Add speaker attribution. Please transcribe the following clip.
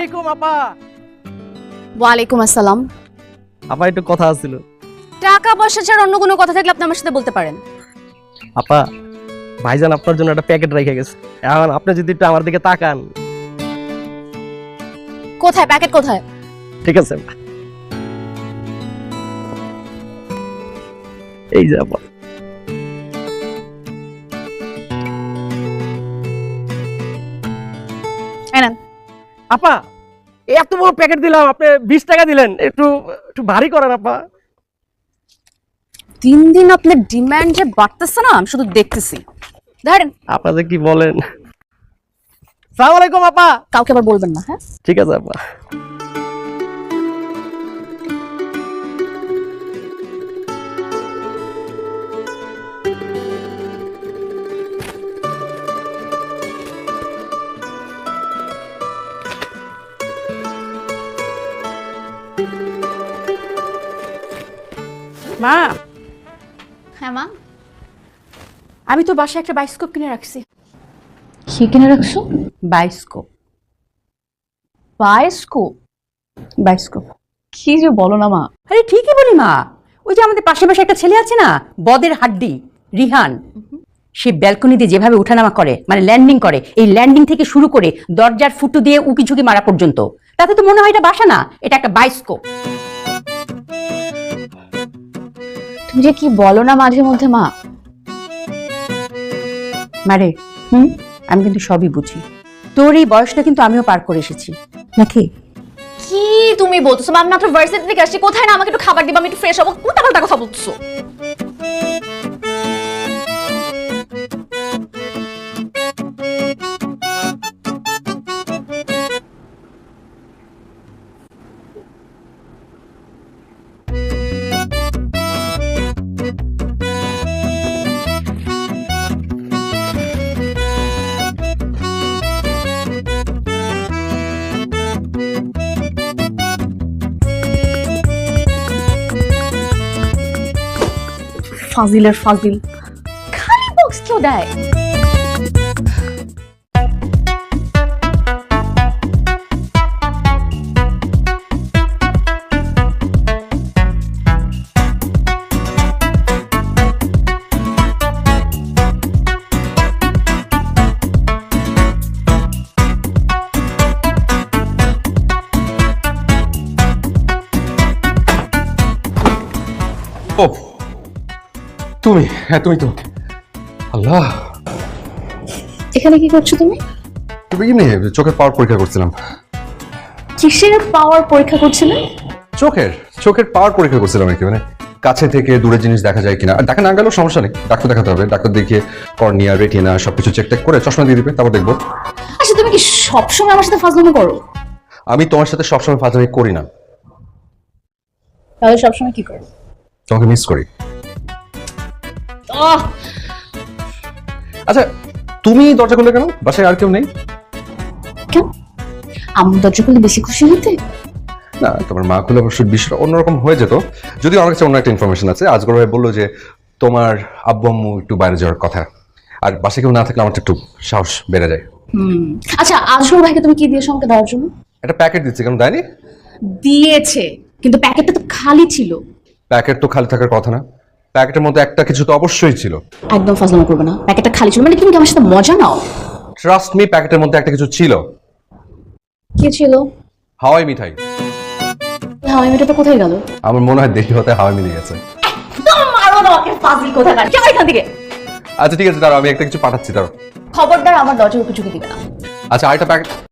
Speaker 1: আলাইকুম আপা।
Speaker 2: ওয়ালাইকুম আসসালাম।
Speaker 1: আপা একটু কথা ছিল।
Speaker 2: টাকা পয়সা ছাড়া অন্য কোনো কথা থাকলে আপনি আমার সাথে বলতে পারেন।
Speaker 1: আপা ভাইজান আপনার জন্য একটা প্যাকেট রেখে গেছে, এখন আপনি যদি একটু আমার দিকে তাকান।
Speaker 2: কোথায় প্যাকেট কোথায়?
Speaker 1: ঠিক আছে আপা, এই যে আপা। আপা এত বড় প্যাকেট দিলাম, আপনি 20 টাকা দিলেন, একটু একটু ভারী করেন আপা।
Speaker 2: দিন দিন আপনার ডিমান্ড যে বাড়তেছে না, আমি শুধু দেখতেছি। ধরেন।
Speaker 1: আপনাদের কি বলেন। সালাম আলাইকুম আপা।
Speaker 2: কাউকে আবার বলবেন না, হ্যাঁ?
Speaker 1: ঠিক আছে আপা।
Speaker 3: মা,
Speaker 2: হ্যাঁ মা।
Speaker 3: আমি তো বাসায় একটা বায়োস্কোপ কিনে রাখছি।
Speaker 2: কি কিনে রাখছো?
Speaker 3: বায়োস্কোপ।
Speaker 2: বায়োস্কোপ?
Speaker 3: বায়োস্কোপ?
Speaker 2: কি যে বলো না মা।
Speaker 3: আরে ঠিকই বলি মা। ওই যে আমাদের পাশে পাশে একটা ছেলে আছে না, বদের হাড্ডি, রিহান। সে ব্যালকনি দিয়ে যেভাবে ওঠানামা করে, মানে ল্যান্ডিং করে, এই ল্যান্ডিং থেকে শুরু করে দরজার ফুটো দিয়ে উকি ঝুঁকি মারা পর্যন্ত, তাতে তো মনে হয় এটা বাসা না, এটা একটা বায়োস্কোপ।
Speaker 2: তুমি যে কি বলো না মাঝে মধ্যে মা।
Speaker 3: মারে, আমি কিন্তু সবই বুঝি। তোর এই বয়সটা কিন্তু আমিও পার করে এসেছি, নাকি?
Speaker 2: কি তুমি বলছো? আমি মাত্র ভার্সিটি থেকে আসছি, কোথায় না আমাকে একটু খাবার দিবা, আমি একটু ফ্রেশ হবো, উল্টাপাল্টা কথা বলছো। ফাজিলের ফাজিল, খালি বক্স কেউ দেয়।
Speaker 4: ও তুমি, হ্যাঁ তুমি তো। আল্লাহ,
Speaker 2: এখানে কি করছো তুমি?
Speaker 4: তুমি এমনি চোখের পাওয়ার পরীক্ষা করছিলাম।
Speaker 2: কিসের পাওয়ার পরীক্ষা করছিলে?
Speaker 4: চোখের চোখের পাওয়ার পরীক্ষা করছিলাম আর কি, মানে কাছে থেকে দূরের জিনিস দেখা যায় কিনা। আর দেখা না গেলেও সমস্যা নেই, ডাক্তার দেখাতে হবে। ডাক্তার দেখিয়ে কর্নিয়া, রেটিনা সবকিছু চেক টেক করে চশমা দিয়ে দিবে, তারপর দেখবো।
Speaker 2: আচ্ছা তুমি কি সবসময় আমার সাথে ফাজলামি করো?
Speaker 4: আমি তোমার সাথে সবসময় ফাজলামি করি না।
Speaker 2: তাহলে সবসময় কি করো?
Speaker 4: তোমাকে মিস করি। আচ্ছা, তুমি দরজা খুললে কেন? বাসায় আর কেউ নেই?
Speaker 2: কেন? আমার দরজা খুলে বেশি খুশি হতে?
Speaker 4: না, তোমার মা খুলে অবশ্যই বিষয়টা অন্যরকম হয়ে যেত। যদিও আমার কাছে অন্য একটা ইনফরমেশন আছে। আজগর ভাই বললো যে তোমার আব্বু আম্মু একটু বাইরে যাওয়ার কথা, আর বাসায় কেউ না থাকলে আমার একটু সাহস বেড়ে যায়।
Speaker 2: আচ্ছা আজরুল ভাইকে তুমি কি দিয়েছো আমাকে দেওয়ার জন্য?
Speaker 4: একটা প্যাকেট দিচ্ছে, কেন দেয়নি?
Speaker 2: দিয়েছে, কিন্তু প্যাকেটটা তো খালি ছিল।
Speaker 4: প্যাকেট তো খালি থাকার কথা না, প্যাকেটের মধ্যে একটা কিছু তো অবশ্যই ছিল।
Speaker 2: একদম ফাজলামি করবে না, প্যাকেটটা খালি ছিল মানে কি? তুমি কি আমার সাথে মজা নাও?
Speaker 4: ট্রাস্ট মি, প্যাকেটের মধ্যে একটা কিছু ছিল।
Speaker 2: কি ছিল?
Speaker 4: হাওয়াই মিঠাই।
Speaker 2: হাওয়াই মিঠাইটা কোথায় গেল?
Speaker 4: আমার মনে হয় দেখি হতে হাওয়াই মিলে গেছে।
Speaker 2: মারো না ওকে, ফাজিল কোথাকার, যাও এখান থেকে।
Speaker 4: আচ্ছা ঠিক আছে, দাঁড়াও, আমি একটা কিছু পাঠাচ্ছি, দাঁড়াও।
Speaker 2: খবরদার আমার দরজার উপর ঝুঁকি দিবে না।
Speaker 4: আচ্ছা, আরেকটা প্যাকেট।